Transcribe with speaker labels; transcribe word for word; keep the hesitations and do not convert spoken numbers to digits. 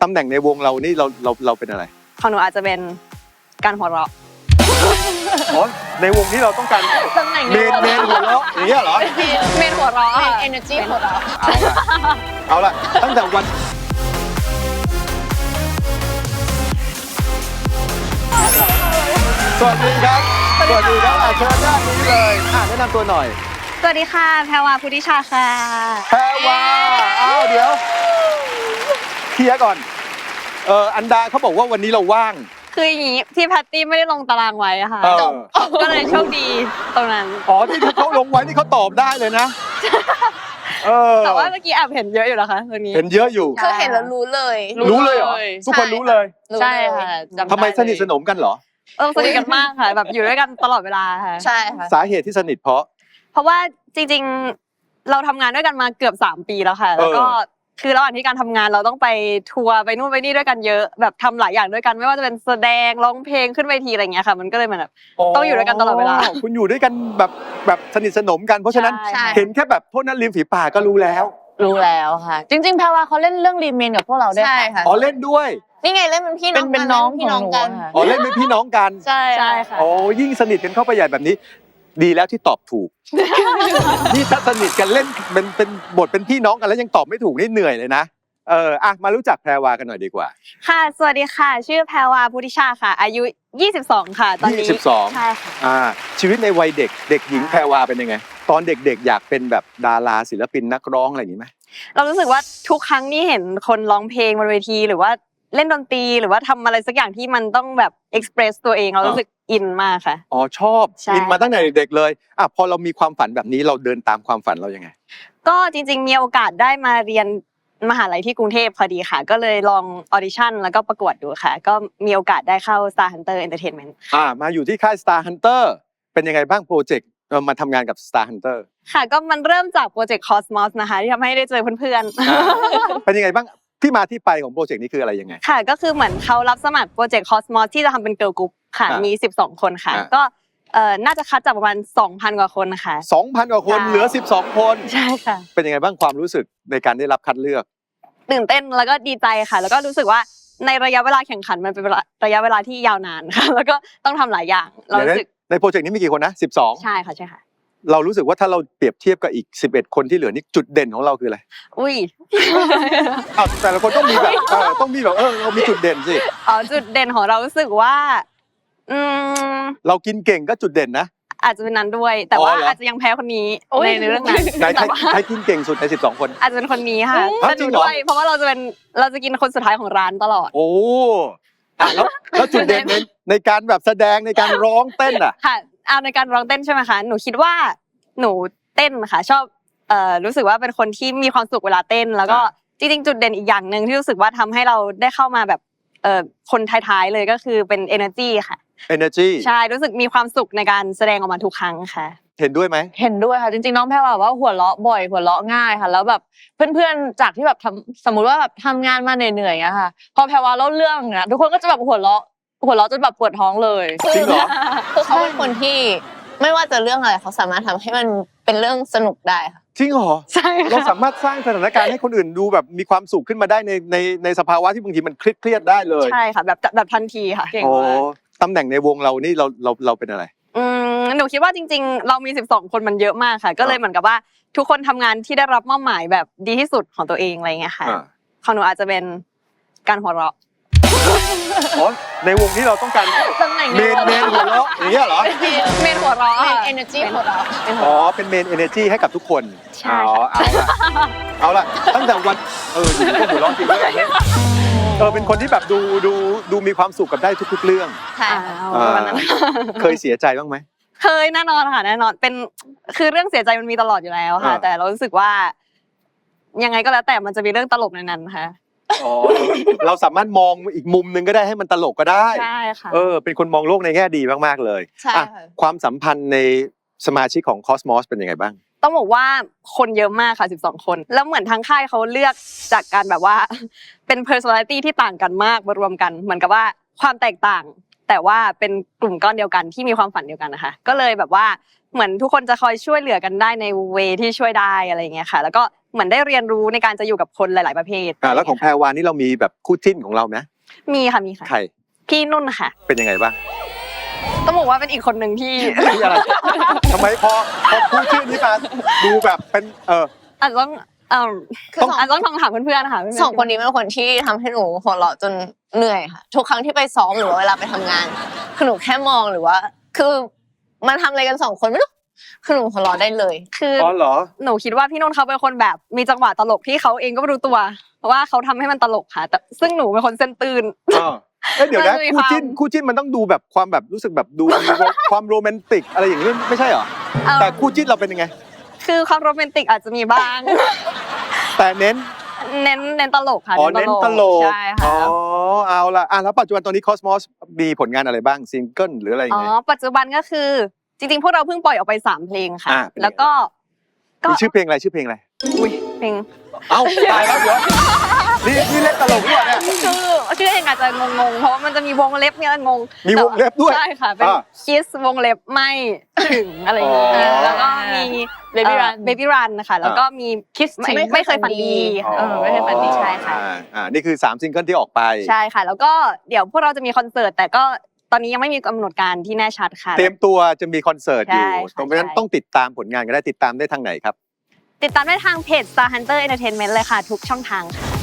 Speaker 1: ตำแหน่งในวงเรานี่เราเราเราเป็นอะไร
Speaker 2: ของหนูอาจจะเป็นการหัวเราะ
Speaker 1: อ๋อในวงที่เราต้องการ
Speaker 2: ตำแหน่ง
Speaker 1: เมนเมนหัวเราะอย่างเงี้ยเหรอ
Speaker 2: เมนหัวเราะ
Speaker 3: เมน energy หัวเราะ
Speaker 1: เอาละเอาละตั้งแต่วันสวัสดีครับสวัสดีครับเชิญด้านนี้เลยอ่ะแนะนำตัวหน่อย
Speaker 2: สวัสดีค่ะแพรวาพุทธิชาค่ะ
Speaker 1: แพรวาอ้าวเดี๋ยวเคลียร์ก่อนเอออันดาเขาบอกว่าวันนี้เราว่าง
Speaker 2: คืออย่างนี้ที่แพตตี้ไม่ได้ลงตารางไว้อะค่ะก็เลยโชคดีตรงนั้น
Speaker 1: อ๋อที่เขาลงไว้นี่เขาตอบได้เลยนะเออ
Speaker 2: แต่ว่าเมื่อกี้แอบเห็นเยอะอยู่นะคะตรงนี้
Speaker 1: เห็นเยอะอยู่
Speaker 3: คือเห็นแล้วรู้เลย
Speaker 1: รู้เลยเหรอทุกคนรู้เลย
Speaker 2: ใช่ค่ะ
Speaker 1: ทำไมสนิทสนมกันเหรอ
Speaker 2: เออสนิทกันมากค่ะแบบอยู่ด้วยกันตลอดเวลาค่ะ
Speaker 3: ใช่ค่ะ
Speaker 1: สาเหตุที่สนิทเพราะ
Speaker 2: เพราะว่าจริงๆเราทำงานด้วยกันมาเกือบสามปีแล้วค่ะแล้วก็คือระหว่างที่การทำงานเราต้องไปทัวร์ไปนู่นไปนี่ด้วยกันเยอะแบบทำหลายอย่างด้วยกันไม่ว่าจะเป็นแสดงร้องเพลงขึ้นเวทีอะไรเงี้ยค่ะมันก็เลยเหมือนแบบต้องอยู่ด้วยกันตลอดเวลา
Speaker 1: คุณอยู่ด้วยกันแบบแบบสนิทสนมกันเพราะฉะนั้นเห็นแค่แบบโทษนั้นริมฝีปากก็รู้แล้ว
Speaker 3: รู้แล้วค่ะจริงๆแพรวาเขาเล่นเรื่องรีเมนกับพวกเราด้วยค่ะ
Speaker 1: อ๋อเล่นด้วย
Speaker 3: นี่ไงเล่นเป็นพี่น้อง
Speaker 2: เป็นน้อง
Speaker 3: พี่น้องกัน
Speaker 1: อ๋อเล่นเป็นพี่น้องกัน
Speaker 3: ใช่
Speaker 2: ใช่ค่ะ
Speaker 1: โอ้ยิ่งสนิทกันเข้าไปใหญ่แบบนี้ดีแล้วที่ตอบถูกนี่ถ้าสนิทกันเล่นเป็นเป็นบทเป็นพี่น้องกันแล้วยังตอบไม่ถูกนี่เหนื่อยเลยนะเอออ่ะมารู้จักแพรวากันหน่อยดีกว่า
Speaker 2: ค่ะสวัสดีค่ะชื่อแพรวาพุทธิชาค่ะอายุยี่สิบสองค่ะตอนนี้
Speaker 1: ยี่สิบสอง
Speaker 2: ใช่ค่ะ
Speaker 1: อ่าชีวิตในวัยเด็กเด็กหญิงแพรวาเป็นยังไงตอนเด็กๆอยากเป็นแบบดาราศิลปินนักร้องอะไรอย่างนี้ไหม
Speaker 2: เรารู้สึกว่าทุกครั้งที่เห็นคนร้องเพลงบนเวทีหรือว่าเล่นดนตรีหรือว่าทำอะไรสักอย่างที่มันต้องแบบเอ็กซ์เพรสตัวเองเรารู้สึกอินมากค่ะ
Speaker 1: อ๋อชอบอินมาตั้งแต่เด็กๆเลยอ่ะพอเรามีความฝันแบบนี้เราเดินตามความฝันเรายังไง
Speaker 2: ก็จริงๆมีโอกาสได้มาเรียนมหาลัยที่กรุงเทพพอดีค่ะก็เลยลองออดิชั่นแล้วก็ประกวดดูค่ะก็มีโอกาสได้เข้า Star Hunter Entertainment
Speaker 1: อ่ามาอยู่ที่ค่าย Star Hunter เป็นยังไงบ้างโปรเจกต์มาทำงานกับ Star Hunter
Speaker 2: ค่ะก็มันเริ่มจากโปรเจกต์ Cosmos นะคะที่ทำให้ได้เจอเพื่อน
Speaker 1: ๆเป็นยังไงบ้างที่มาที่ไปของโปรเจกต์นี้คืออะไรยังไง
Speaker 2: ค่ะก็คือเหมือนเขารับสมัครโปรเจกต์ Cosmos ที่จะทำเป็นเกิร์ลกรุ๊ปค่ะมีสิบสองคนค่ะก็เอ่อน่าจะคัดจากประมาณ สองพัน กว่าคนค่ะ
Speaker 1: สองพัน กว่าคนเหลือสิบสองคน
Speaker 2: ใช่ค่ะ
Speaker 1: เป็นยังไงบ้างความรู้สึกในการได้รับคัดเลือก
Speaker 2: ตื่นเต้นแล้วก็ดีใจค่ะแล้วก็รู้สึกว่าในระยะเวลาแข่งขันมันเป็นระยะเวลาที่ยาวนานค่ะแล้วก็ต้องทำหลายอย่างเรารู้สึก
Speaker 1: ในโปรเจกต์นี้มีกี่คนนะสิบสอง
Speaker 2: ใช่ค่ะใช่ค่ะ
Speaker 1: เรารู้สึกว่าถ้าเราเปรียบเทียบกับอีกสิบเอ็ดคนที่เหลือนี่จุดเด่นของเราคืออะไร
Speaker 2: อุ้ย
Speaker 1: อ้าวแต่ละคนต้องมีแบบเออต้องมีแบบเออเรามีจุดเด่นสิ
Speaker 2: อ๋อจุดเด่นของเรารู้สึกว่าอืม
Speaker 1: เรากินเก่งก็จุดเด่นนะ
Speaker 2: อาจจะเป็นนั้นด้วยแต่ว่าอาจจะยังแพ้คนนี้ในเรื่องนั้น
Speaker 1: แต่ว่าใครกินเก่งสุดในสิบสองคน
Speaker 2: อาจจะเป็นคนนี้ค่ะแต่ดูด้วยเพราะว่าเราจะเป็นเราจะกินคนสุดท้ายของร้านตลอด
Speaker 1: โอ้อ่ะแล้วแล้วจุดเด่นในในการแบบแสดงในการร้องเต้นอ่ะ
Speaker 2: ค่ะเอาในการร้องเต้นใช่ไหมคะหนูคิดว่าหนูเต้นค่ะชอบเอ่อรู้สึกว่าเป็นคนที่มีความสุขเวลาเต้นแล้วก็จริงๆจุดเด่นอีกอย่างนึงที่รู้สึกว่าทำให้เราได้เข้ามาแบบเอ่อคนท้ายๆเลยก็คือเป็น energy ค่ะ
Speaker 1: energy
Speaker 2: ใช่รู้สึกมีความสุขในการแสดงออกมาทุกครั้งค่ะ
Speaker 1: เห็นด้วยไหม
Speaker 3: เห็นด้วยค่ะจริงๆน้องแพรว่าหัวเราะบ่อยหัวเราะง่ายค่ะแล้วแบบเพื่อนๆจากที่แบบทำสมมุติว่าแบบทำงานมาเหนื่อยๆอะค่ะพอแพรว่าเล่าเรื่องนะทุกคนก็จะแบบหัวเราะหัวเราะจนแบบปวดท้องเลย
Speaker 1: จริงเหรอ
Speaker 3: คือเขาเป็นคนที่ไม่ว่าจะเรื่องอะไรเขาสามารถทำให้มันเป็นเรื่องสนุกได้ค่ะ
Speaker 1: จริงเหรอ
Speaker 2: ใช่
Speaker 1: เราสามารถสร้างสถานการณ์ให้คนอื่นดูแบบมีความสุขขึ้นมาได้ในในในสภาวะที่บางทีมันเครียดๆได้เลย
Speaker 2: ใช่ค่ะแบบแบบทันทีค่ะ
Speaker 1: โอ้ตำแหน่งในวงเรานี่เราเราเราเป็นอะไร
Speaker 2: อืมหนูคิดว่าจริงๆเรามีสิบสองคนมันเยอะมากค่ะก็เลยเหมือนกับว่าทุกคนทำงานที่ได้รับมอบหมายแบบดีที่สุดของตัวเองอะไรเงี้ยค่ะของหนูอาจจะเป็นการหัวเราะ
Speaker 1: อ๋อในวงที่เราต้องการ
Speaker 2: ตำแหน่ง
Speaker 1: เมนเมนหัวเราะอย่างเงี้ยเหรอ
Speaker 2: เมนหัวเราะ
Speaker 3: เมน energy หัวเราะ
Speaker 1: อ๋อเป็นเมน energy ให้กับทุกคน
Speaker 2: อ๋อ
Speaker 1: เอาละเอาละตั้งแต่วันเออก็หัวเราะจริงด้วยเออเป็นคนที่แบบดูดูดูมีความสุขกับได้ทุกๆเรื่อง
Speaker 2: ค่ะวันนั้น
Speaker 1: เคยเสียใจบ้างไหม
Speaker 2: เคยแน่นอนค่ะแน่นอนเป็นคือเรื่องเสียใจมันมีตลอดอยู่แล้วค่ะแต่เรารู้สึกว่ายังไงก็แล้วแต่มันจะมีเรื่องตลกในนั้นค่ะ
Speaker 1: อ๋อเราสามารถมองอีกมุมนึงก็ได้ให้มันตลกก็ได้
Speaker 2: ใช่ค่ะ
Speaker 1: เออเป็นคนมองโลกในแง่ดีมากๆเลย
Speaker 3: ใช่
Speaker 1: ความสัมพันธ์ในสมาชิกของ Cosmos เป็นยังไงบ้าง
Speaker 2: ต้องบอกว่าคนเยอะมากค่ะสิบสองคนแล้วเหมือนทางค่ายเขาเลือกจากการแบบว่าเป็น personality ที่ต่างกันมากมารวมกันเหมือนกับว่าความแตกต่างแตแต่ว่าเป็นกลุ่มก้อนเดียวกันที่มีความฝันเดียวกันนะคะก็เลยแบบว่าเหมือนทุกคนจะคอยช่วยเหลือกันได้ในเวที่ช่วยได้อะไรอย่างเงี้ยค่ะแล้วก็เหมือนได้เรียนรู้ในการจะอยู่กับคนหลาย ๆประเภท
Speaker 1: อ่าแล้วของแพรวานี่เรามีแบบคู่จิ้นของเราไหม
Speaker 2: มีค่ะมีค่ะ
Speaker 1: ใคร
Speaker 2: พี่นุ่นค่ะ
Speaker 1: เป็นยังไงบ้าง
Speaker 2: ต้องบอกว่าเป็นอีกคนหนึ่งที่
Speaker 1: ที่อะไรทำไมพอพอพูดชื่อนี้มาดูแบบเป็นเออ
Speaker 2: อาจจะต้องเอ่อ
Speaker 4: คือ
Speaker 2: ต้อง
Speaker 4: สอง
Speaker 2: อาจจะต้องถามเพื่อนๆนะคะเพื่ๆ
Speaker 4: สองคนนี้เป็นคนที่ทำให้หนูหัวเราะจนเหนื่อยค่ะ ทุกครั้งที่ไปซ้อมหรือว่าเวลาไปทำงานคือหนูแค่มองหรือว่า คือมันทำอะไรกันสองคนไม่รู้คือหนูหัวเราะได้เลย
Speaker 2: คือ
Speaker 1: อ๋อเหรอ
Speaker 2: หนูคิดว่าพี่นุ่นเขาเป็นคนแบบมีจังหวะตลกที่เขาเองก็ไม่รู้ตัวเพราะว่าเขาทำให้มันตลกค่ะแต่ซึ่งหนูเป็นคนเส้นตื่น
Speaker 1: อ่าเอ้ยเดี๋ยวนะ
Speaker 2: มันจะมี
Speaker 1: คู่จิ้น
Speaker 2: ความ
Speaker 1: คู่จิ้นมันต้องดูแบบความแบบรู้สึกแบบดูมีความโรแมนติกอะไรอย่างนี้ไม่ใช่เหรอ
Speaker 2: เอิ่ม
Speaker 1: แต่คู่จิ้นเราเป็นยังไง
Speaker 2: คือความโรแมนติกอาจจะมีบ้าง
Speaker 1: แต่เน้น
Speaker 2: เน้นเน้นตลกค่ะ
Speaker 1: อ๋อเน้นตลก
Speaker 2: ใช่
Speaker 1: อ๋
Speaker 2: ค่ะ
Speaker 1: อเอาละอ่ะแล้วปัจจุบันตอนนี้ Cosmos มีผลงานอะไรบ้างซิงเกิลหรืออะไรยั
Speaker 2: อ๋
Speaker 1: ง
Speaker 2: อ
Speaker 1: ไง
Speaker 2: ปัจจุบันก็คือจริงๆพวกเราเพิ่งปล่อยออกไปสามเพลงค่ะ
Speaker 1: อ่าเป็นไง
Speaker 2: แล้วก็ก็
Speaker 1: มีชื่อเพลงอะไรชื่อเพลงอะไร
Speaker 2: อุ้ยเพลง
Speaker 1: เอ้าตายแล้วเดี๋ยวนี่นี่เล่นตลกด้วยเนี่ย
Speaker 2: คือชื่อเพลงอาจจะงงๆเพราะว่ามันจะมีวงเล็บเนี่ยงง
Speaker 1: มีวงเล็บด้วย
Speaker 2: ใช่ค่ะเป็น
Speaker 1: อ่า
Speaker 2: คิสวงเล็บไม่ถึงอะไรอย่างเงี้
Speaker 1: อ๋
Speaker 2: ย
Speaker 1: อ
Speaker 2: แล้วก็มี
Speaker 3: Baby Run
Speaker 2: เบบี้รันนะคะแล้วก็มีคิส
Speaker 4: ไม่
Speaker 2: ไม่เคยฝันดี
Speaker 1: อ๋อ
Speaker 2: เออไม่เคยฝันดีใช่ค่ะ
Speaker 1: อ่าอ่านี่คือสามซิงเกิลที่ออกไป
Speaker 2: ใช่ค่ะ แล้วก็เดี๋ยวพวกเราจะมีคอนเสิร์ตแต่ก็ตอนนี้ยังไม่มีกำหนดการที่แน่ชัดค่ะ
Speaker 1: เตรียมตัวจะมีคอนเสิร์ตอยู่
Speaker 2: ใช่ค่ะ
Speaker 1: ตรงนั้น
Speaker 2: ใช่
Speaker 1: ต้องติดตามผลงานกันได้ติดตามได้ทางไหนครับ
Speaker 2: ติดตามได้ทางเพจ Star Hunter Entertainment เลยค่ะ ทุกช่องทางค่ะ